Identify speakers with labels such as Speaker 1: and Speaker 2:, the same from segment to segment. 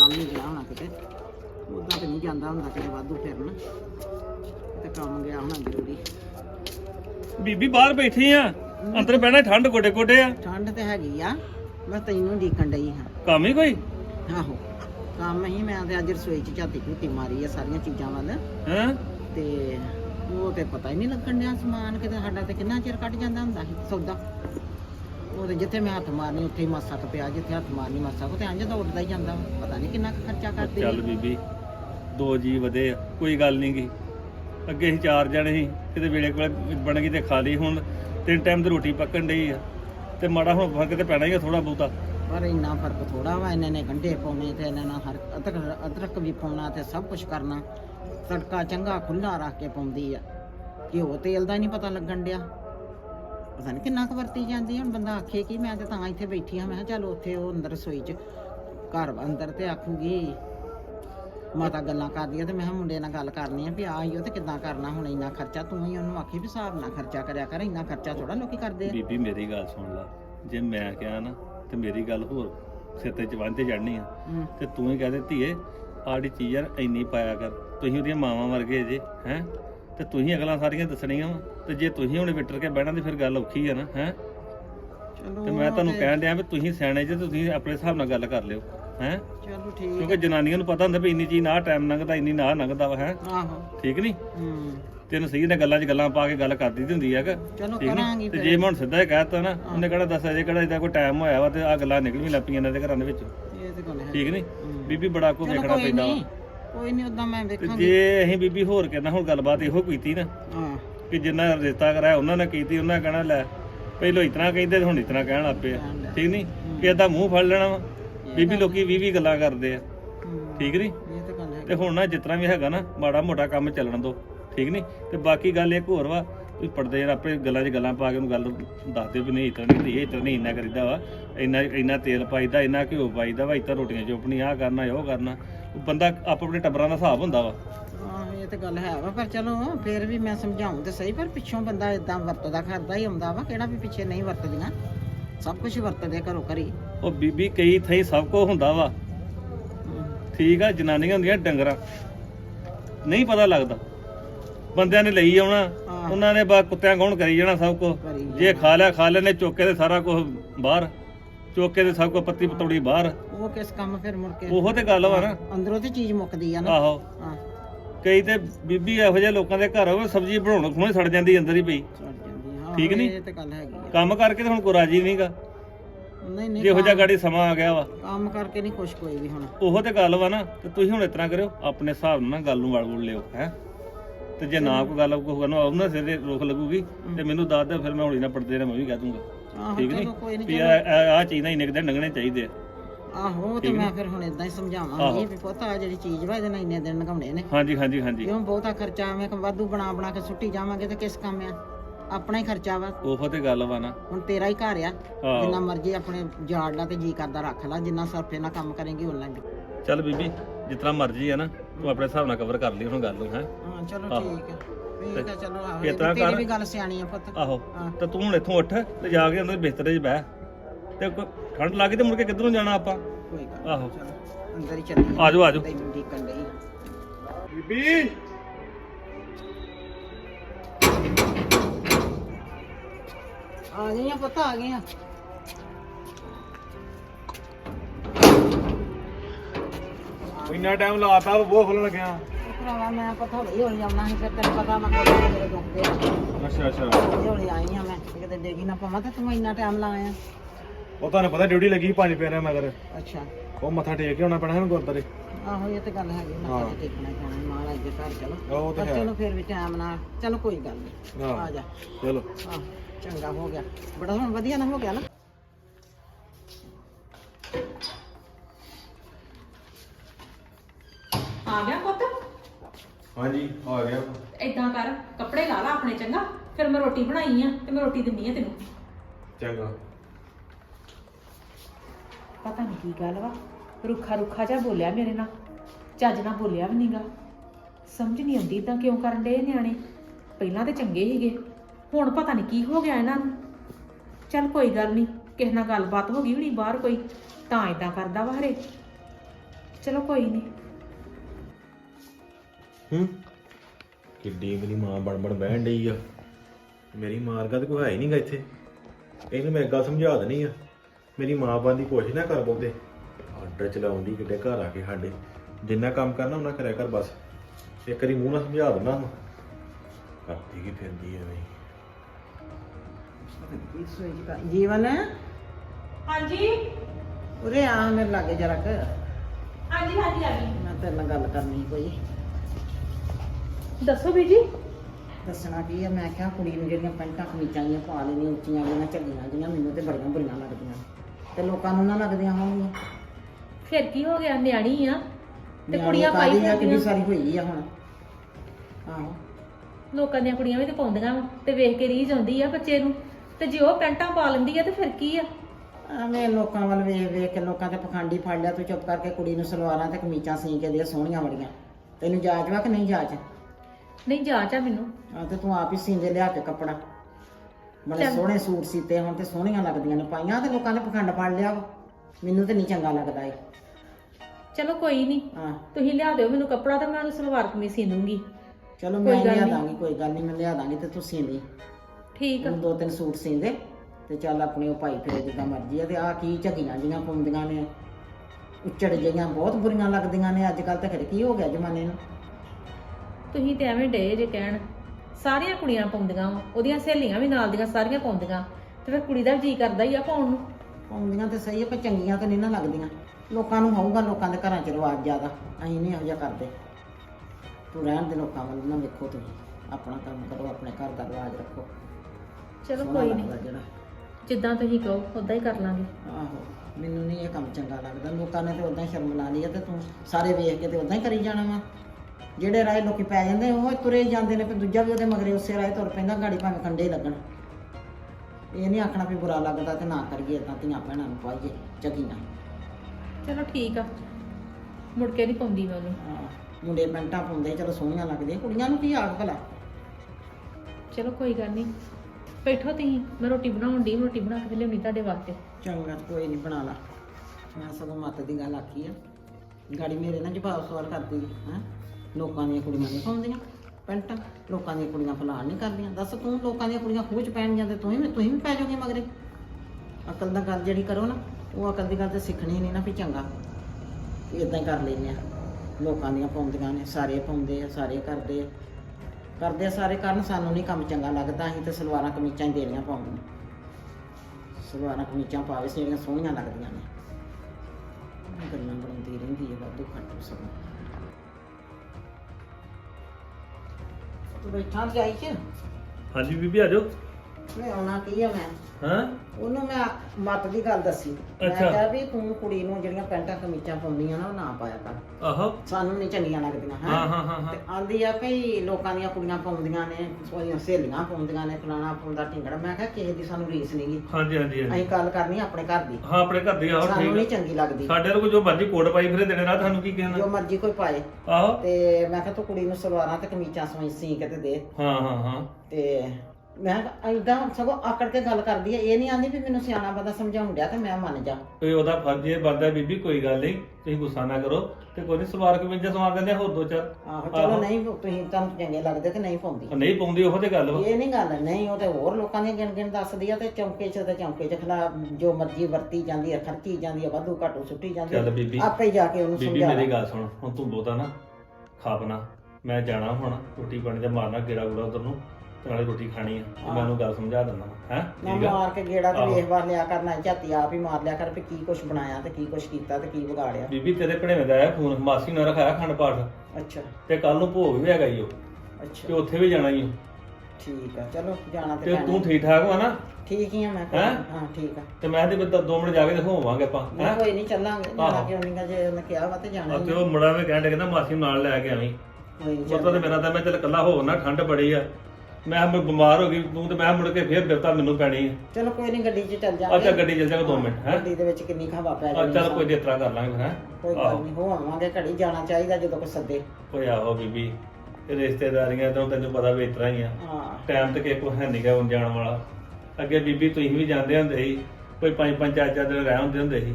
Speaker 1: ਕੰਮ ਹੀ ਗਿਆ ਹੋਣਾ ਕਿਤੇ, ਉੱਦਾਂ ਤੇ ਨਹੀਂ ਜਾਂਦਾ ਹੁੰਦਾ ਕਿਤੇ ਵਾਧੂ ਫਿਰਨ, ਤੇ ਕੰਮ ਗਿਆ ਹੋਣਾ ਜ਼ਰੂਰੀ।
Speaker 2: ਬੀਬੀ ਬਾਹਰ ਬੈਠੀ ਆ, ਅੰਦਰ ਬਹਿਣਾ ਠੰਡ ਗੋਡੇ ਗੋਡੇ ਆ।
Speaker 1: ਠੰਡ ਤੇ ਹੈਗੀ ਆ, ਮੈਂ ਤੈਨੂੰ ਡੀਕਣ ਡਈ ਹਾਂ।
Speaker 2: ਕੰਮ ਹੀ ਕੋਈ?
Speaker 1: ਆਹੋ ਕੰਮ ਹੀ, ਮੈਂ ਤੇ ਅੱਜ ਰਸੋਈ 'ਚ ਝਾਤੀ ਝੂਤੀ ਮਾਰੀ ਆ ਸਾਰੀਆਂ ਚੀਜ਼ਾਂ ਵੱਲ,
Speaker 2: ਹੈਂ?
Speaker 1: ਤੇ ਉਹ ਤੇ ਪਤਾ ਹੀ ਨਹੀਂ ਲੱਗਣ ਡਿਆ ਸਮਾਨ ਕਿਤੇ ਸਾਡਾ ਤੇ ਕਿੰਨਾ ਚਿਰ ਕੱਢ ਜਾਂਦਾ ਹੁੰਦਾ ਸੀ ਸੌਦਾ। ਉਹ ਤੇ ਜਿੱਥੇ ਮੈਂ ਹੱਥ ਮਾਰਨੀ ਉੱਥੇ ਹੀ ਮਾਸਾ ਕੁ ਪਿਆ, ਜਿੱਥੇ ਹੱਥ ਮਾਰਨੀ ਮਾਸਾ ਕੁ, ਤੇ ਇੰਝ ਦੌੜਦਾ ਹੀ ਜਾਂਦਾ, ਪਤਾ ਨਹੀਂ ਕਿੰਨਾ ਕੁ ਖਰਚਾ ਕਰਦੀ।
Speaker 2: ਚੱਲ ਬੀਬੀ 2 ਜੀ ਵਧੇ ਆ, ਕੋਈ ਗੱਲ ਨਹੀਂ ਗੀ। ਅੱਗੇ ਅਸੀਂ 4 ਜਣੇ ਸੀ, ਕਿਤੇ ਵੇਲੇ ਕੋਲ ਬਣ ਗਈ ਤੇ ਖਾ ਲਈ। ਹੁਣ 3 ਟਾਈਮ ਦੀ ਰੋਟੀ ਪੱਕਣ ਡਈ ਆ, ਤੇ ਮਾੜਾ ਹੁਣ ਫਰਕ ਤੇ ਪੈਣਾ ਹੀ ਆ ਥੋੜਾ ਬਹੁਤਾ।
Speaker 1: ਪਰ ਇੰਨਾ ਫਰਕ ਥੋੜਾ ਵਾ, ਇਹਨਾਂ ਨੇ ਗੰਢੇ ਪਾਉਣੇ ਤੇ ਇਹਨਾਂ ਨਾਲ ਅਦਰਕ ਵੀ ਪਾਉਣਾ ਤੇ ਸਭ ਕੁਝ ਕਰਨਾ। ਤੜਕਾ ਚੰਗਾ ਖੁੱਲਾ ਰੱਖ ਕੇ ਪਾਉਂਦੀ ਆ, ਘਿਓ ਤੇਲ ਦਾ ਨਹੀਂ ਪਤਾ ਲੱਗਣ ਡਿਆ, ਪਤਾ ਨਹੀਂ ਕਿੰਨਾ ਕੁ ਵਰਤੀ ਜਾਂਦੀ। ਹੁਣ ਬੰਦਾ ਆਖੇ ਕਿ ਮੈਂ ਤੇ ਤਾਂ ਇੱਥੇ ਬੈਠੀ ਹਾਂ, ਮੈਂ ਕਿਹਾ ਚੱਲ ਉੱਥੇ ਉਹ ਅੰਦਰ ਰਸੋਈ 'ਚ ਘਰ ਅੰਦਰ ਤੇ ਆਖੂਗੀ ਮਾਤਾ ਗੱਲਾਂ ਕਰਦੀ ਆ, ਤੇ ਮੈਂ ਕਿਹਾ ਮੁੰਡੇ ਨਾਲ ਗੱਲ ਕਰਨੀ ਆ ਵੀ ਆਈਓ ਤੇ ਕਿੱਦਾਂ ਕਰਨਾ ਹੁਣ ਇੰਨਾ ਖਰਚਾ। ਤੂੰ ਹੀ ਉਹਨੂੰ ਆਖੀ ਵੀ ਹਿਸਾਬ ਨਾਲ ਖਰਚਾ ਕਰਿਆ ਕਰ, ਇੰਨਾ ਖਰਚਾ ਥੋੜਾ ਲੋਕੀ ਕਰਦੇ ਆ।
Speaker 2: ਬੀਬੀ ਮੇਰੀ ਗੱਲ ਸੁਣ ਲਾ, ਜੇ ਮੈਂ ਕਿਹਾ ਨਾ ਤੇ ਮੇਰੀ ਗੱਲ ਹੋਰ ਸਿਰ ਤੇ ਜਵਾਨ ਤੇ ਚੜਨੀ ਆ, ਤੇ ਤੂੰ ਹੀ ਕਹਦੇ ਧੀਏ ਆੜੀ ਚੀਜ਼ ਯਾਰ ਇੰਨੀ ਪਾਇਆ ਕਰ। ਤੁਸੀਂ ਉਹਦੀਆਂ ਮਾਵਾਂ ਵਰਗੇ ਜੇ ਹੈਂ, ਤੇ ਤੁਸੀਂ ਅਗਲਾ ਸਾਰੀਆਂ ਦੱਸਣੀਆਂ ਵਾ, ਤੇ ਜੇ ਤੁਸੀਂ ਹੁਣ ਵਿਟਰ ਕੇ ਬਹਿਣਾ ਤੇ ਫਿਰ ਗੱਲ ਔਖੀ ਆ ਨਾ ਹੈਂ। ਤੇ ਮੈਂ ਤੁਹਾਨੂੰ ਕਹਿਣ ਡਿਆ ਵੀ ਤੁਸੀਂ ਸਿਆਣੇ ਜੇ, ਤੁਸੀਂ ਆਪਣੇ ਹਿਸਾਬ ਨਾਲ ਗੱਲ ਕਰ ਲਿਓ ਹੈਂ।
Speaker 1: ਚਲੋ ਠੀਕ,
Speaker 2: ਕਿਉਂਕਿ ਜਨਾਨੀਆਂ ਨੂੰ ਪਤਾ ਹੁੰਦਾ ਵੀ ਇੰਨੀ ਚੀਜ਼ ਨਾ ਟਾਈਮ ਲੰਘਦਾ, ਇੰਨੀ ਨਾ ਲੰਘਦਾ ਵਾ ਹੈਂ।
Speaker 1: ਆਹੋ
Speaker 2: ਠੀਕ ਨਹੀਂ? ਤੈਨੂੰ ਸਹੀ ਨੇ ਗੱਲਾਂ 'ਚ ਗੱਲਾਂ ਪਾ ਕੇ ਗੱਲ ਕਰਦੀ ਦੀ ਹੁੰਦੀ ਆ ਕਿ
Speaker 1: ਚਲੋ ਕਰਾਂਗੀ।
Speaker 2: ਤੇ ਜੇ ਮੈਂ ਹੁਣ ਸਿੱਧਾ ਹੀ ਕਹਿਤਾ ਨਾ, ਉਹਨੇ ਕਿਹੜਾ ਦੱਸ ਅਜੇ ਕਿਹੜਾ ਇਹਦਾ ਕੋਈ ਟਾਈਮ ਹੋਇਆ ਵਾ, ਤੇ ਆ ਗੱਲਾਂ ਨਿਕਲ ਵੀ ਲੱਗ ਪਈਆਂ ਇਹਨਾਂ ਦੇ ਘਰਾਂ ਦੇ ਵਿੱਚ।
Speaker 1: ਇਹ ਤੇ ਗੱਲ ਹੈ,
Speaker 2: ਠੀਕ ਨਹੀਂ? ਬੀਬੀ ਬੜਾ ਕੁਝ ਵੇਖਣਾ ਪੈਂਦਾ ਵਾ।
Speaker 1: ਕੋਈ ਨਹੀਂ, ਉਦਾਂ ਮੈਂ
Speaker 2: ਤੇ
Speaker 1: ਵੇਖਾਂਗੀ।
Speaker 2: ਜੇ ਅਸੀਂ ਬੀਬੀ ਹੋਰ ਕਹਿੰਦਾ ਹੁਣ ਗੱਲਬਾਤ ਇਹੋ ਕੀਤੀ ਨਾ,
Speaker 1: ਹਾਂ
Speaker 2: ਕਿ ਜਿੰਨਾ ਰਿਸ਼ਤਾ ਕਰਾਇਆ ਉਹਨਾਂ ਨੇ ਕੀਤੀ, ਉਹਨਾਂ ਨੇ ਕਹਿਣਾ ਲੈ ਪਹਿਲੋਂ ਇਤਨਾ ਕਹਿੰਦੇ ਤੇ ਹੁਣ ਇਤਨਾ ਕਹਿਣ ਲੱਗ ਪਏ ਆ। ਠੀਕ ਨਹੀਂ? ਕਿ ਇਹਦਾ ਮੂੰਹ ਫੜ ਲੈਣਾ ਵਾ। ਬੀਬੀ ਲੋਕੀ 20 ਗੱਲਾਂ ਕਰਦੇ ਆ। ਠੀਕ ਨਹੀਂ?
Speaker 1: ਇਹ ਤਾਂ ਗੱਲ ਹੈ।
Speaker 2: ਤੇ ਹੁਣ ਨਾ ਜਿਤਨਾ ਵੀ ਹੈਗਾ ਨਾ, ਮਾੜਾ ਮੋਟਾ ਕੰਮ ਚੱਲਣ ਦੋ। ਠੀਕ ਨਹੀਂ? ਤੇ ਬਾਕੀ ਗੱਲ ਇੱਕ ਹੋਰ ਵਾ, ਤੁਸੀਂ ਪੜਦੇ ਯਾਰ ਆਪੇ ਗੱਲਾਂ 'ਚ ਗੱਲਾਂ ਪਾ ਕੇ ਉਹਨੂੰ ਗੱਲ ਦੱਸ ਦਿਓ ਵੀ ਨਹੀਂ ਇਤਨਾ ਨਹੀਂ, ਇਹ ਇਤਨਾ ਨਹੀਂ, ਇੰਨਾ ਕਰੀਦਾ ਵਾ, ਇੰਨਾ ਤੇਲ ਪਾਈਦਾ, ਇੰਨਾ ਘਿਓ ਪਾਈਦਾ ਵਾ, ਇਤਨਾ ਰੋਟੀਆਂ ਚੋਪਣੀ, ਆਹ ਕਰਨਾ ਉਹ ਕਰਨਾ। ਬੰਦਾ ਆਪੋ ਆਪਣੇ ਟੱਬਰਾਂ ਦਾ ਹਿਸਾਬ ਹੁੰਦਾ ਵਾ।
Speaker 1: ਹਾਂ ਇਹ ਤਾਂ ਗੱਲ ਹੈ ਵਾ, ਪਰ ਚਲੋ ਫਿਰ ਵੀ ਮੈਂ ਸਮਝਾਉਂ ਤੇ ਸਹੀ, ਪਰ ਪਿੱਛੋਂ ਬੰਦਾ ਇਦਾਂ ਵਰਤਦਾ ਕਰਦਾ ਹੀ ਆਉਂਦਾ ਵਾ, ਕਿਹੜਾ ਵੀ ਪਿੱਛੇ ਨਹੀਂ ਵਰਤਦੀਆਂ, ਸਭ ਕੁਝ ਵਰਤਦੇ ਘਰੋਂ ਘਰੀ।
Speaker 2: ਉਹ ਬੀਬੀ ਕਈ ਥਾਈਂ ਸਭ ਕੁਝ ਹੁੰਦਾ ਵਾ। ਠੀਕ ਆ, ਜਨਾਨੀਆਂ ਹੁੰਦੀਆਂ ਡੰਗਰਾਂ, ਨਹੀਂ ਪਤਾ ਲੱਗਦਾ। ਬੰਦਿਆਂ ਨੇ ਲਈ ਆਉਣਾ, ਉਹਨਾਂ ਨੇ ਬਾ ਕੁੱਤਿਆਂ ਗਾਉਣ ਕਰੀ ਜਾਣਾ ਸਭ ਕੁਝ। ਜੇ ਖਾ ਲੈਣੇ ਚੋਕੇ ਤੇ ਸਾਰਾ ਕੁਝ ਬਾਹਰ, ਚੋਕੇ ਤੇ ਸਭ ਕੁਝ ਪੱਤੀ ਪਤੌੜੀ ਬਾਹਰ।
Speaker 1: ਉਹ ਕਿਸ ਕੰਮ ਫਿਰ ਮੁੜ ਕੇ
Speaker 2: ਉਹੋ ਤੇ ਗੱਲ ਵਾ ਨਾ,
Speaker 1: ਅੰਦਰੋਂ ਤੇ ਚੀਜ਼ ਮੁੱਕਦੀ ਆ ਨਾ।
Speaker 2: ਆਹੋ
Speaker 1: ਹਾਂ
Speaker 2: ਕਈ ਤੇ ਬੀਬੀ ਇਹੋ ਜਿਹੇ ਲੋਕਾਂ ਦੇ ਘਰ ਹੋਵੇ, ਸਬਜ਼ੀ ਬਣਾਉਣ ਖੁਣੇ ਸੜ ਜਾਂਦੀ ਅੰਦਰ ਹੀ ਪਈ।
Speaker 1: ਚੜ ਜਾਂਦੀ ਆ।
Speaker 2: ਠੀਕ ਨਹੀਂ?
Speaker 1: ਇਹ ਤੇ ਗੱਲ ਹੈਗੀ ਆ।
Speaker 2: ਕੰਮ ਕਰਕੇ ਤੇ ਹੁਣ ਕੋਈ ਰਾਜੀ ਨਹੀਂਗਾ,
Speaker 1: ਨਹੀਂ
Speaker 2: ਜਿਹੋ ਜਿਹਾ ਗਾੜੀ ਸਮਾਂ ਆ ਗਿਆ ਵਾ।
Speaker 1: ਕੰਮ ਕਰਕੇ ਨਹੀਂ ਕੁਛ ਕੋਈ ਵੀ ਹੁਣ।
Speaker 2: ਉਹੋ ਤੇ ਗੱਲ ਵਾ ਨਾ। ਤੇ ਤੁਸੀਂ ਹੁਣ ਇਤਨਾ ਕਰਿਓ, ਆਪਣੇ ਹਿਸਾਬ ਨਾਲ ਨਾ ਗੱਲ ਨੂੰ ਵੜ ਲਿਓ ਹੈ। ਤੇ ਜੇ ਨਾ ਕੋਈ ਗੱਲ ਕੋਈ ਕਰਨਾ ਉਹਨਾਂ ਸਿਰ ਤੇ ਰੋਕ ਲੱਗੂਗੀ, ਤੇ ਮੈਨੂੰ ਦੱਸ ਦੇ, ਫਿਰ ਮੈਂ ਹੌਲੀ ਨਾਲ ਪੜਦੇ ਨੇ ਮੈਂ ਵੀ ਕਹਿ ਦੂੰਗਾ। ਠੀਕ ਨਹੀਂ? ਵੀ ਆਹ ਚੀਜ਼ ਨਾਲ ਇੰਨੇ ਕੁ ਦਿਨ ਲੰਘਣੇ ਚਾਹੀਦੇ ਆ।
Speaker 1: ਆਹੋ ਤੇ ਮੈਂ ਫਿਰ ਹੁਣ ਇਦਾਂ ਹੀ ਸਮਝਾਵਾਂਗੀ ਵੀ ਪੁੱਤ ਆ ਜਿਹੜੀ ਚੀਜ਼ ਵਾ ਇਹਦੇ ਨਾਲ ਇੰਨੇ ਦਿਨ ਲੰਘਾਉਣੇ ਨੇ।
Speaker 2: ਹਾਂਜੀ ਹਾਂਜੀ ਹਾਂਜੀ।
Speaker 1: ਕਿਉਂ ਬਹੁਤਾ ਖਰਚਾ ਐਵੇਂ ਵਾਧੂ ਬਣਾ ਕੇ ਸੁੱਟੀ ਜਾਵਾਂਗੇ ਤੇ ਕਿਸ ਕੰਮ ਆ? ਆਪਣਾ ਹੀ ਖਰਚਾ ਵਾ।
Speaker 2: ਉਹੋ ਤੇ ਗੱਲ ਵਾ ਨਾ,
Speaker 1: ਹੁਣ ਤੇਰਾ ਹੀ ਘਰ ਆ, ਜਿੰਨਾ ਮਰਜ਼ੀ ਆਪਣੇ ਜਾੜ ਲਾ ਤੇ ਜੀ ਕਰਦਾ ਰੱਖ ਲਾ, ਜਿੰਨਾ ਸਰਫੇ ਨਾਲ ਕੰਮ ਕਰੇਂਗੀ ਉਹਨਾਂ ਹੀ।
Speaker 2: ਚੱਲ ਬੀਬੀ ਜਿਤਨਾ ਮਰਜ਼ੀ ਆ ਨਾ, ਤੂੰ ਆਪਣੇ ਹਿਸਾਬ ਨਾਲ ਕਵਰ ਕਰ ਲਈ ਹੁਣ ਗੱਲ ਨੂੰ ਹੈ।
Speaker 1: ਹਾਂ ਚਲੋ ਠੀਕ ਹੈ, ਠੀਕ ਹੈ। ਚਲੋ ਆਹੋ
Speaker 2: ਇਤਨਾ
Speaker 1: ਤੇਰੀ ਵੀ ਗੱਲ ਸਿਆਣੀ ਆ ਪੁੱਤ।
Speaker 2: ਆਹੋ ਤੇ ਤੂੰ ਹੁਣ ਇੱਥੋਂ ਉੱਠ ਤੇ ਜਾ ਕੇ ਅੰਦਰ ਬਿਸਤਰੇ 'ਚ ਬਹਿ, ਤੇ ਠੰਡ ਲੱਗ ਤੇ ਮੁੜ ਕੇ ਕਿੱਧਰੋਂ ਜਾਣਾ ਆਪਾਂ।
Speaker 1: ਕੋਈ ਗੱਲ
Speaker 2: ਆਹੋ
Speaker 1: ਚਲੋ ਅੰਦਰ ਹੀ ਚੱਲੀ
Speaker 2: ਆਜੋ ਆਜੋ
Speaker 1: ਤੈਨੂੰ ਢੀਕਣ ਡਈ
Speaker 2: ਬੀਬੀ।
Speaker 1: ਆ ਗਈਆਂ ਪੁੱਤ, ਆ ਗਈਆਂ।
Speaker 2: ਇੰਨਾ ਟਾਈਮ ਲਾਤਾ ਉਹ ਖੋਲਣ ਲੱਗਿਆ।
Speaker 1: ਭਰਾਵਾ ਮੈਂ ਪਤਾ ਹੌਲੀ ਹੌਲੀ ਆਉਣਾ ਸੀ, ਫਿਰ ਤੈਨੂੰ ਪਤਾ ਮੈਂ ਕੋਲ ਮੇਰੇ ਦੁੱਖਦੇ ਆ।
Speaker 2: ਅੱਛਾ ਅੱਛਾ।
Speaker 1: ਹੌਲੀ ਹੌਲੀ ਆਈ ਆ ਮੈਂ, ਕਿਤੇ ਡੇਗੀ ਨਾ ਪਵਾਂ ਤੇ ਤੂੰ ਇੰਨਾ ਟਾਈਮ ਲਾਇਆ।
Speaker 2: ਉਹ ਤੁਹਾਨੂੰ ਪਤਾ ਡਿਊਟੀ ਲੱਗੀ 5 ਪਿਆਰਿਆਂ ਮਗਰ,
Speaker 1: ਅੱਛਾ
Speaker 2: ਉਹ ਮੱਥਾ ਟੇਕ ਕੇ ਆਉਣਾ ਪੈਣਾ ਹੈ ਗੁਰਦੁਆਰੇ।
Speaker 1: ਆਹੋ ਇਹ ਤੇ ਗੱਲ ਹੈਗੀ, ਮੱਥਾ ਤੇ ਟੇਕਣਾ ਹੀ ਪੈਣਾ ਮਹਾਰਾਜ ਦੇ ਘਰ। ਚਲੋ
Speaker 2: ਉਹ ਤੇ
Speaker 1: ਪਰ ਚਲੋ ਫਿਰ ਵੀ ਟਾਈਮ ਨਾਲ, ਚਲੋ ਕੋਈ ਗੱਲ ਨਹੀਂ, ਆ ਜਾ।
Speaker 2: ਚਲੋ
Speaker 1: ਆਹ ਚੰਗਾ ਹੋ ਗਿਆ, ਬੜਾ ਹੁਣ ਵਧੀਆ ਨਾ ਹੋ ਗਿਆ ਨਾ।
Speaker 3: ਆ ਗਿਆ ਪੁੱਤ?
Speaker 2: ਹਾਂਜੀ ਆ ਗਿਆ।
Speaker 3: ਏਦਾਂ ਕਰ, ਕੱਪੜੇ ਲਾ ਲਾ ਆਪਣੇ, ਚੰਗਾ? ਫਿਰ ਮੈਂ ਰੋਟੀ ਬਣਾਈ ਆ ਤੇ ਮੈਂ ਰੋਟੀ ਦਿੰਨੀ ਆ ਤੈਨੂੰ।
Speaker 2: ਚੰਗਾ।
Speaker 3: ਪਤਾ ਨਹੀਂ ਕੀ ਗੱਲ ਵਾ, ਰੁੱਖਾ ਰੁੱਖਾ ਜਿਹਾ ਬੋਲਿਆ ਮੇਰੇ ਨਾਲ, ਚੱਜ ਨਾਲ ਬੋਲਿਆ ਵੀ ਨਹੀਂਗਾ। ਸਮਝ ਨਹੀਂ ਆਉਂਦੀ ਇਦਾਂ ਕਿਉਂ ਕਰਨ ਡੇ ਨਿਆਣੇ। ਪਹਿਲਾਂ ਤੇ ਚੰਗੇ ਸੀਗੇ, ਹੁਣ ਪਤਾ ਨਹੀਂ ਕੀ ਹੋ ਗਿਆ ਇਹਨਾਂ ਨੂੰ। ਚੱਲ ਕੋਈ ਗੱਲ ਨਹੀਂ, ਕਿਸੇ ਨਾਲ ਗੱਲਬਾਤ ਹੋ ਗਈ ਹੋਣੀ ਬਾਹਰ ਕੋਈ, ਤਾਂ ਇਦਾਂ ਕਰਦਾ ਵਾ ਹਰੇ। ਚਲੋ ਕੋਈ ਨਹੀਂ।
Speaker 4: ਕਿੱਡੀ ਮੇਰੀ ਮਾਂ ਬਣ ਬਹਿਣ ਡਈ ਆ। ਮੇਰੀ ਮਾਰਗਾ ਤੇ ਕੋਈ ਹੈ ਹੀ ਨਹੀਂਗਾ ਇੱਥੇ। ਇਹਨੂੰ ਮੈਂ ਇੱਕ ਗੱਲ ਸਮਝਾ ਦੇਣੀ ਆ, ਮੇਰੀ ਮਾਂ ਬਣ ਦੀ ਕੋਸ਼ਿਸ਼ ਨਾ ਕਰ ਬਹੁਤੇ। ਆਰਡਰ ਚਲਾਉਂਦੀ ਕਿਤੇ ਘਰ ਆ ਕੇ ਸਾਡੇ, ਜਿੰਨਾ ਕੰਮ ਕਰਨਾ ਉਹਨਾਂ ਕਰਿਆ ਕਰ ਬਸ। ਇੱਕ ਵਾਰੀ ਮੂੰਹ ਨਾਲ ਸਮਝਾ ਦਿੰਦਾ ਉਹਨੂੰ, ਕਰਦੀ ਕੀ ਫਿਰਦੀ ਐ ਬਈ।
Speaker 1: ਜੀਵਨ
Speaker 3: ਹਾਂਜੀ
Speaker 1: ਉਰੇ ਆ ਮੇਰੇ ਲਾਗੇ ਜਰਾ ਕੁ।
Speaker 3: ਹਾਂਜੀ ਹਾਂਜੀ ਆ ਗਈ।
Speaker 1: ਮੈਂ ਤੇਰੇ ਨਾਲ ਗੱਲ ਕਰਨੀ ਕੋਈ।
Speaker 3: ਦੱਸੋ ਬੀਜੀ।
Speaker 1: ਦੱਸਣਾ ਕੀ ਆ, ਮੈਂ ਕਿਹਾ ਕੁੜੀ ਨੂੰ ਜਿਹੜੀਆਂ ਪੈਂਟਾਂ ਕਮੀਜ਼ਾਂ ਜੀਆਂ ਪਾ ਲੈਣੀਆਂ ਉੱਚੀਆਂ ਜਿਹੀਆਂ ਝੱਗੀਆਂ ਜਿਹੀਆਂ, ਮੈਨੂੰ ਤੇ ਬੜੀਆਂ ਬੁਰੀਆਂ ਲੱਗਦੀਆਂ ਤੇ ਲੋਕਾਂ ਨੂੰ ਨਾ ਲੱਗਦੀਆਂ ਹੋਣਗੀਆਂ।
Speaker 3: ਫਿਰ ਕੀ ਹੋ ਗਿਆ, ਨਿਆਣੀ ਆ ਤੇ
Speaker 1: ਨਿਆਣੀ
Speaker 3: ਕੁੜੀਆਂ ਪਾਈ
Speaker 1: ਕਾਹਦੀ ਆ, ਕਿੰਨੀ
Speaker 3: ਜਾਂਦੀਆਂ।
Speaker 1: ਸਾਰੀ ਹੋਈ ਆ ਹੁਣ। ਆਹੋ
Speaker 3: ਲੋਕਾਂ ਦੀਆਂ ਕੁੜੀਆਂ ਵੀ ਤੇ ਪਾਉਂਦੀਆਂ ਵਾ ਤੇ ਵੇਖ ਕੇ ਰੀਝ ਆਉਂਦੀ ਆ ਬੱਚੇ ਨੂੰ। ਤੇ ਜੇ ਉਹ ਪੈਂਟਾਂ ਪਾ ਲੈਂਦੀ ਆ ਤੇ ਫਿਰ ਕੀ ਆ।
Speaker 1: ਐਵੇਂ ਲੋਕਾਂ ਵੱਲ ਵੇਖ ਵੇਖ ਕੇ ਲੋਕਾਂ ਤੇ ਪਖੰਡੀ ਫੜ ਲਿਆ। ਤੂੰ ਚੁੱਪ ਕਰਕੇ ਕੁੜੀ ਨੂੰ ਸਲਵਾਰਾਂ ਤੇ ਕਮੀਜ਼ਾਂ ਸੀ ਕੇ ਦੇ ਸੋਹਣੀਆਂ ਬੜੀਆਂ। ਤੈਨੂੰ ਜਾਚ ਵਾ ਕਿ ਨਹੀਂ ਜਾਚ?
Speaker 3: ਨਹੀਂ ਜਾਚ ਆ ਮੈਨੂੰ।
Speaker 1: ਆ ਤੇ ਤੂੰ ਆਪ ਹੀ ਸੀਂਦੇ ਲਿਆ ਕੇ ਕੱਪੜਾ। ਬੜੇ
Speaker 3: ਚੱਲ।
Speaker 1: ਸੋਹਣੇ ਸੂਟ ਸੀਤੇ ਹੁਣ ਤੇ ਸੋਹਣੀਆਂ ਲੱਗਦੀਆਂ ਨੇ ਪਾਈਆਂ, ਤੇ ਲੋਕਾਂ ਨੇ ਪਖੰਡ ਫੜ ਲਿਆ ਵਾ। ਮੈਨੂੰ ਤੇ ਨਹੀਂ ਚੰਗਾ ਲੱਗਦਾ ਇਹ।
Speaker 3: ਚਲੋ ਕੋਈ ਨਹੀਂ,
Speaker 1: ਹਾਂ
Speaker 3: ਤੁਸੀਂ ਲਿਆ ਦਿਓ ਮੈਨੂੰ ਕੱਪੜਾ ਤੇ ਮੈਂ ਉਹਨੂੰ ਸਲਵਾਰ ਕਮੀਜ਼ ਸੀ ਦੂੰਗੀ।
Speaker 1: ਚਲੋ
Speaker 3: ਕੋਈ
Speaker 1: ਮੈਂ
Speaker 3: ਗੱਲ
Speaker 1: ਲਿਆ
Speaker 3: ਨੀ।
Speaker 1: ਦਾਂਗੀ, ਕੋਈ ਗੱਲ ਨਹੀਂ, ਮੈਂ ਲਿਆ ਦਾਂਗੀ ਤੇ ਤੂੰ ਸੀ ਲਈ।
Speaker 3: ਠੀਕ ਆ।
Speaker 1: ਤੂੰ 2-3 ਸੂਟ ਸੀਂਦੇ ਤੇ ਚੱਲ ਆਪਣੇ ਉਹ ਭਾਈ ਫਿਰੇ ਜਿੱਦਾਂ ਮਰਜ਼ੀ ਆ। ਤੇ ਆਹ ਕੀ ਝੱਗੀਆਂ ਜੀਆਂ ਪਾਉਂਦੀਆਂ ਨੇ, ਉੱਚੜ ਜਿਹੀਆਂ ਬਹੁਤ ਬੁਰੀਆਂ ਲੱਗਦੀਆਂ ਨੇ ਅੱਜ ਕੱਲ। ਤਾਂ ਫਿਰ ਕੀ ਹੋ ਗਿਆ ਜ਼ਮਾਨੇ ਨੂੰ।
Speaker 3: ਤੁਸੀਂ ਤੇ ਐਵੇਂ ਡੇ ਜੇ ਕਹਿਣ, ਸਾਰੀਆਂ ਕੁੜੀਆਂ ਪਾਉਂਦੀਆਂ ਵਾ, ਉਹਦੀਆਂ ਸਹੇਲੀਆਂ ਵੀ ਨਾਲ ਦੀਆਂ ਸਾਰੀਆਂ ਪਾਉਂਦੀਆਂ, ਤੇ ਫਿਰ ਕੁੜੀ ਦਾ ਵੀ ਜੀ ਕਰਦਾ ਹੀ ਆ ਪਾਉਣ ਨੂੰ।
Speaker 1: ਪਾਉਂਦੀਆਂ ਤੇ ਸਹੀ ਆ, ਪਰ ਚੰਗੀਆਂ ਤਾਂ ਨਹੀਂ ਨਾ ਲੱਗਦੀਆਂ। ਲੋਕਾਂ ਨੂੰ ਹੋਊਗਾ, ਲੋਕਾਂ ਦੇ ਘਰਾਂ 'ਚ ਰਿਵਾਜ ਜ਼ਿਆਦਾ। ਅਸੀਂ ਨਹੀਂ ਇਹੋ ਜਿਹਾ ਕਰਦੇ। ਤੂੰ ਰਹਿਣ ਦੇ, ਲੋਕਾਂ ਵੱਲ ਨਾ ਵੇਖੋ। ਤੁਸੀਂ ਆਪਣਾ ਕੰਮ ਕਰੋ, ਆਪਣੇ ਘਰ ਦਾ ਰਿਵਾਜ ਰੱਖੋ।
Speaker 3: ਚਲੋ
Speaker 1: ਸੋਹਣਾ
Speaker 3: ਕੋਈ
Speaker 1: ਲੱਗਦਾ
Speaker 3: ਨਹੀਂ,
Speaker 1: ਜਿਹੜਾ।
Speaker 3: ਜਿੱਦਾਂ ਤੁਸੀਂ ਕਹੋ ਉਦਾਂ ਹੀ ਕਰ ਲਾਂਗੇ।
Speaker 1: ਆਹੋ ਮੈਨੂੰ ਨਹੀਂ ਇਹ ਕੰਮ ਚੰਗਾ ਲੱਗਦਾ। ਲੋਕਾਂ ਨੇ ਤੇ ਉਦਾਂ ਹੀ ਸ਼ਰਮ ਲਾ ਲਈ ਆ, ਤੇ ਤੂੰ ਸਾਰੇ ਵੇਖ ਕੇ ਤੇ ਉਦਾਂ ਹੀ ਕਰੀ ਜਾਣਾ ਵਾ। ਜਿਹੜੇ ਰਾਹ ਲੋਕੀ ਪੈ ਜਾਂਦੇ ਉਹ ਤੁਰੇ ਹੀ ਜਾਂਦੇ ਨੇ, ਫਿਰ ਦੂਜਾ ਵੀ ਉਹਦੇ ਮਗਰੇ ਉਸੇ ਰਾਹ ਤੁਰ ਪੈਂਦਾ। ਗਾੜੀ ਭਾਵੇਂ ਕੰਡੇ ਲੱਗਣ। ਇਹ ਨਹੀਂ ਆਖਣਾ ਵੀ ਬੁਰਾ ਲੱਗਦਾ ਤੇ ਨਾ ਕਰੀਏ ਏਦਾਂ। ਧੀਆਂ ਭੈਣਾਂ ਨੂੰ ਪਾਈਏ ਝੱਗੀਆਂ।
Speaker 3: ਚਲੋ ਠੀਕ ਆ, ਮੁੜ ਕੇ ਨਹੀਂ ਪਾਉਂਦੀ ਮੈਂ ਉਹਨੂੰ।
Speaker 1: ਹਾਂ, ਮੁੰਡੇ ਪੈਂਟਾਂ ਪਾਉਂਦੇ ਚਲੋ ਸੋਹਣੀਆਂ ਲੱਗਦੀਆਂ, ਕੁੜੀਆਂ ਨੂੰ ਕੀ ਆਖ ਭਲਾ।
Speaker 3: ਚਲੋ ਕੋਈ ਗੱਲ ਨਹੀਂ, ਬੈਠੋ ਤੁਸੀਂ, ਮੈਂ ਰੋਟੀ ਬਣਾਉਣ ਦੀ, ਰੋਟੀ ਬਣਾ ਕੇ ਲਿਆਉਣੀ ਤੁਹਾਡੇ ਵਾਸਤੇ।
Speaker 1: ਚੰਗਾ ਕੋਈ ਨਹੀਂ, ਬਣਾ ਲਾ। ਮੈਂ ਸਗੋਂ ਮੱਤ ਦੀ ਗੱਲ ਆਖੀ ਆ, ਗਾੜੀ ਮੇਰੇ ਨਾਲ ਜਵਾਬ ਸਵਾਲ ਕਰਦੀ ਹੈ। ਲੋਕਾਂ ਦੀਆਂ ਕੁੜੀਆਂ ਨਹੀਂ ਪਾਉਂਦੀਆਂ ਪੈਂਟਾਂ, ਲੋਕਾਂ ਦੀਆਂ ਕੁੜੀਆਂ ਫਲਾਣ ਨਹੀਂ ਕਰਦੀਆਂ। ਦੱਸ ਤੂੰ ਲੋਕਾਂ ਦੀਆਂ ਕੁੜੀਆਂ ਖੂਹ 'ਚ ਪੈਣ ਜਾਂਦੇ, ਤੁਸੀਂ ਵੀ ਪੈ ਜਾਓਗੇ ਮਗਰੇ। ਅਕਲ ਦਾ ਗੱਲ ਜਿਹੜੀ ਕਰੋ ਨਾ, ਉਹ ਅਕਲ ਦੀ ਗੱਲ ਤੇ ਸਿੱਖਣੀ ਨਹੀਂ ਨਾ ਵੀ ਚੰਗਾ ਇਦਾਂ ਹੀ ਕਰ ਲੈਂਦੇ ਆ। ਲੋਕਾਂ ਦੀਆਂ ਪਾਉਂਦੀਆਂ ਨੇ, ਸਾਰੇ ਪਾਉਂਦੇ ਆ, ਸਾਰੇ ਕਰਦੇ ਆ ਸਾਰੇ ਕਰਨ। ਸਾਨੂੰ ਨਹੀਂ ਕੰਮ ਚੰਗਾ ਲੱਗਦਾ। ਅਸੀਂ ਤੇ ਸਲਵਾਰਾਂ ਕਮੀਜ਼ਾਂ ਹੀ ਦੇਣੀਆਂ ਪਾਉਂਦੀਆਂ। ਸਲਵਾਰਾਂ ਕਮੀਜ਼ਾਂ ਪਾਵੇ ਜਿਹੜੀਆਂ ਸੋਹਣੀਆਂ ਲੱਗਦੀਆਂ ਨੇ। ਗੱਲਾਂ ਬਣਾਉਂਦੀ ਰਹਿੰਦੀ ਹੈ ਵਾਧੂ ਘੱਟ ਸਗੋਂ। ਤੂੰ ਬੈਠਾ ਜਾਈ ਚ
Speaker 2: ਹਾਂਜੀ ਬੀਬੀ ਆ ਜਾਓ।
Speaker 1: ਮੈਂ ਆਉਣਾ ਕੀ ਆ ਮੈਂ
Speaker 2: ਹਾਂ
Speaker 1: ਉਹਨੂੰ ਮੈਂ ਮੱਤ ਦੀ ਗੱਲ ਦੱਸੀ। ਮੈਂ
Speaker 2: ਅੱਛਾ।
Speaker 1: ਕਿਹਾ ਵੀ ਤੂੰ ਕੁੜੀ ਨੂੰ ਜਿਹੜੀਆਂ ਪੈਂਟਾਂ ਕਮੀਜ਼ਾਂ ਪਾਉਂਦੀਆਂ ਨਾ ਉਹ ਨਾ ਪਾਇਆ ਕਰ।
Speaker 2: ਆਹੋ
Speaker 1: ਸਾਨੂੰ ਨਹੀਂ ਚੰਗੀਆਂ ਲੱਗਦੀਆਂ।
Speaker 2: ਹਾਂ ਹਾਂ ਹਾਂ ਹਾਂ
Speaker 1: ਤੇ ਆਂਦੀ ਆ ਭਈ ਲੋਕਾਂ ਦੀਆਂ ਕੁੜੀਆਂ ਪਾਉਂਦੀਆਂ ਨੇ, ਉਹਦੀਆਂ ਸਹੇਲੀਆਂ ਪਾਉਂਦੀਆਂ ਨੇ, ਫਲਾਣਾ ਪਾਉਂਦਾ ਢਿੰਗੜਾ। ਮੈਂ ਕਿਹਾ ਕਿਸੇ ਦੀ ਸਾਨੂੰ ਰੀਸ ਨਹੀਂਗੀ।
Speaker 2: ਹਾਂਜੀ ਹਾਂਜੀ ਹਾਂਜੀ
Speaker 1: ਅਸੀਂ ਗੱਲ ਕਰਨੀ ਆਪਣੇ ਘਰ ਦੀ।
Speaker 2: ਹਾਂ ਆਪਣੇ ਘਰ ਦੀ ਆਹੋ
Speaker 1: ਸਾਨੂੰ ਨਹੀਂ
Speaker 2: ਠੀਕ
Speaker 1: ਚੰਗੀ ਲੱਗਦੀ।
Speaker 2: ਸਾਡੇ ਕੋਲ ਜੋ ਮਰਜ਼ੀ ਕੋਟ ਪਾਈ ਫਿਰੇ ਦਿਨੇ ਰਾਤ, ਸਾਨੂੰ ਕੀ
Speaker 1: ਜੋ
Speaker 2: ਕਹਿਣਾ।
Speaker 1: ਮਰਜ਼ੀ ਕੋਈ ਪਾਏ।
Speaker 2: ਆਹੋ
Speaker 1: ਤੇ ਮੈਂ ਕਿਹਾ ਤੂੰ ਕੁੜੀ ਨੂੰ ਸਲਵਾਰਾਂ ਤੇ ਕਮੀਜ਼ਾਂ ਸੀ ਕੇ ਤੇ ਦੇ।
Speaker 2: ਹਾਂ ਹਾਂ ਹਾਂ
Speaker 1: ਤੇ ਮੈਂ ਏਦਾਂ ਸਗੋਂ ਆਕੜ ਕੇ ਗੱਲ ਕਰਦੀ ਹੈ। ਇਹ ਨਹੀਂ ਆਂਦੀ ਵੀ ਮੈਨੂੰ ਸਿਆਣਾ ਬੰਦਾ ਸਮਝਾਉਣ ਡਿਆ ਤੇ ਮੈਂ ਮੰਨ ਜਾ।
Speaker 2: ਕੋਈ ਉਹਦਾ ਫਰਜ਼ ਇਹ ਬਣਦਾ ਬੀਬੀ, ਕੋਈ ਗੱਲ ਨਹੀਂ, ਤੁਸੀਂ ਗੁੱਸਾ ਨਾ ਕਰੋ। ਤੇ ਕੋਈ ਨਹੀਂ ਸਵਾਰ ਕੇ ਵਿੱਚ ਸਵਾਰ ਦਿੰਦੇ ਆ ਹੋਰ 2-4।
Speaker 1: ਆਹੋ ਚਲੋ ਨਹੀਂ ਤੁਸੀਂ ਤੁਹਾਨੂੰ ਚੰਗੇ ਲੱਗਦੇ ਤੇ ਨਹੀਂ ਪਾਉਂਦੀ।
Speaker 2: ਨਹੀਂ ਪਾਉਂਦੀ ਉਹ ਤੇ ਗੱਲ ਵਾ।
Speaker 1: ਇਹ ਨਹੀਂ ਗੱਲ ਨਹੀਂ, ਉਹ ਤੇ ਹੋਰ ਲੋਕਾਂ ਦੀਆਂ ਗਿਣ ਦੱਸਦੀ ਆ। ਤੇ ਚੌਂਕੇ 'ਚ ਤੇ ਚੌਂਕੇ 'ਚ ਖਲਾ ਜੋ ਮਰਜ਼ੀ ਵਰਤੀ ਜਾਂਦੀ ਆ, ਖਰਚੀ ਜਾਂਦੀ ਆ, ਵਾਧੂ ਘਾਟੂ ਸੁੱਟੀ ਜਾਂਦੀ
Speaker 2: ਚੱਲ
Speaker 1: ਆ।
Speaker 2: ਬੀਬੀ
Speaker 1: ਆਪੇ ਹੀ ਜਾ ਕੇ ਉਹਨੂੰ
Speaker 2: ਬੀਬੀ
Speaker 1: ਸਮਝਾ।
Speaker 2: ਮੇਰੀ ਗੱਲ ਸੁਣ, ਹੁਣ ਤੂੰ ਬਹੁਤਾ ਨਾ ਖਾਪਣਾ। ਮੈਂ ਜਾਣਾ ਹੁਣ ਰੋਟੀ ਪਾਣੀ ਤੇ ਮਾਰਨਾ ਗੇੜਾ ਗੂੜਾ ਉਧਰ ਨੂੰ, ਤੇ ਨਾਲੇ ਰੋਟੀ ਖਾਣੀ ਆ। ਤੇ ਮੈਂ ਉਹਨੂੰ ਗੱਲ ਸਮਝਾ ਦਿੰਦਾ ਹੈ
Speaker 1: ਨਾ
Speaker 2: ਠੀਕ ਆ।
Speaker 1: ਮਾਰ ਕੇ ਗੇੜਾ ਤੇ
Speaker 2: ਆਹੋ।
Speaker 1: ਵੇਖ ਵਾਰ ਲਿਆ ਕਰਨਾ, ਝਾਤੀ ਆਪ ਹੀ ਮਾਰ ਲਿਆ ਕਰ ਵੀ ਕੀ ਕੁਛ ਬਣਾਇਆ ਤੇ ਕੀ ਕੁਛ ਕੀਤਾ ਤੇ ਕੀ ਵਿਗਾੜਿਆ।
Speaker 2: ਬੀਬੀ ਤੇਰੇ ਭਣੇਵੇਂ ਦਾ ਆਇਆ ਫੋਨ, ਮਾਸੀ ਨੇ ਰਖਾਇਆ ਅਖੰਡ ਪਾਠ,
Speaker 1: ਅੱਛਾ
Speaker 2: ਤੇ ਕੱਲ ਨੂੰ ਭੋਗ ਵੀ ਹੈਗਾ ਈ ਉਹ, ਤੇ
Speaker 1: ਅੱਛਾ
Speaker 2: ਉੱਥੇ ਵੀ ਜਾਣਾ ਈ ਉਹ।
Speaker 1: ਠੀਕ ਆ, ਚਲੋ ਜਾਣਾ ਤੇ
Speaker 2: ਤੇ
Speaker 1: ਪੈਣਾ।
Speaker 2: ਤੂੰ ਠੀਕ ਠਾਕ ਵਾ ਨਾ?
Speaker 1: ਠੀਕ ਹੀ ਆ ਮੈਂ।
Speaker 2: ਹੈਂ?
Speaker 1: ਹਾਂ ਠੀਕ ਆ।
Speaker 2: ਤੇ ਮੈਂ ਤੇ 2 ਮਿੰਟ ਜਾ ਕੇ ਤੇ ਹੋਵਾਂਗੇ ਆਪਾਂ ਹੈ।
Speaker 1: ਕੋਈ ਨਹੀਂ ਚੱਲਾਂਗੇ। ਜਾਣਾ
Speaker 2: ਆਹੋ।
Speaker 1: ਕਿਉਂ ਨਹੀਂਗਾ, ਜੇ ਉਹਨੇ ਕਿਹਾ ਵਾ ਤੇ ਜਾਣਾ ਹੀ
Speaker 2: ਤੇ
Speaker 1: ਆ।
Speaker 2: ਉਹ ਮੁੰਡਾ ਵੀ ਕਹਿਣ ਕਹਿੰਦਾ ਮਾਸੀ ਨੂੰ ਨਾਲ ਲੈ ਕੇ ਆਵੀਂ।
Speaker 1: ਕੋਈ ਨੀ
Speaker 2: ਉਹ ਤਾਂ
Speaker 1: ਚੱਲਾਂਗੇ।
Speaker 2: ਮੇਰਾ ਤਾਂ ਮੈਂ ਚੱਲ ਇਕੱਲਾ ਹੋ ਨਾ, ਠੰਡ ਬੜੀ ਆ। ਮੈਂ ਬਿਮਾਰ ਹੋ ਗਈ ਤੂੰ, ਤੇ ਮੈਂ ਮੁੜ ਕੇ ਫੇਰ ਬਿਰਤਾ ਮੈਨੂੰ ਪੈਣੀ ਆ।
Speaker 1: ਚਲੋ ਕੋਈ ਨਹੀਂ, ਗੱਡੀ 'ਚ ਚੱਲ ਜਾਵਾਂਗੇ।
Speaker 2: ਅੱਛਾ ਗੱਡੀ ਚੱਲ ਜਾਗਾ 2 ਮਿੰਟ ਹੈ।
Speaker 1: ਗੱਡੀ ਦੇ ਵਿੱਚ ਕਿੰਨੀ ਹਵਾ ਪੈ
Speaker 2: ਆ
Speaker 1: ਜਾਣੀ
Speaker 2: ਚੱਲ
Speaker 1: ਆ।
Speaker 2: ਕੋਈ ਦੇਤਰਾ ਕਰ ਲਾਂਗੇ ਫਿਰ ਹੈ।
Speaker 1: ਕੋਈ ਗੱਲ ਨਹੀਂ, ਹੋ ਆਵਾਂਗੇ। ਘੜੀ ਜਾਣਾ ਚਾਹੀਦਾ ਜਦੋਂ ਕੋਈ ਸੱਦੇ।
Speaker 2: ਓਏ ਆਹੋ ਬੀਬੀ, ਇਹ ਰਿਸ਼ਤੇਦਾਰੀਆਂ ਤੋਂ ਤੈਨੂੰ ਪਤਾ ਵੀ ਇਸ ਤਰ੍ਹਾਂ ਹੀ ਆ।
Speaker 1: ਹਾਂ
Speaker 2: ਟਾਈਮ ਤੇ ਕਿਸੇ ਕੋ ਹੈ ਨਹੀਂ ਗਾ ਹੁਣ ਜਾਣ ਵਾਲਾ। ਅੱਗੇ ਬੀਬੀ ਤੁਸੀਂ ਵੀ ਜਾਂਦੇ ਹੁੰਦੇ ਸੀ, ਕੋਈ 5-5 4-4 ਦਿਨ ਰਹਿ ਹੁੰਦੇ ਸੀ।
Speaker 1: ਰਹਿ ਹੀ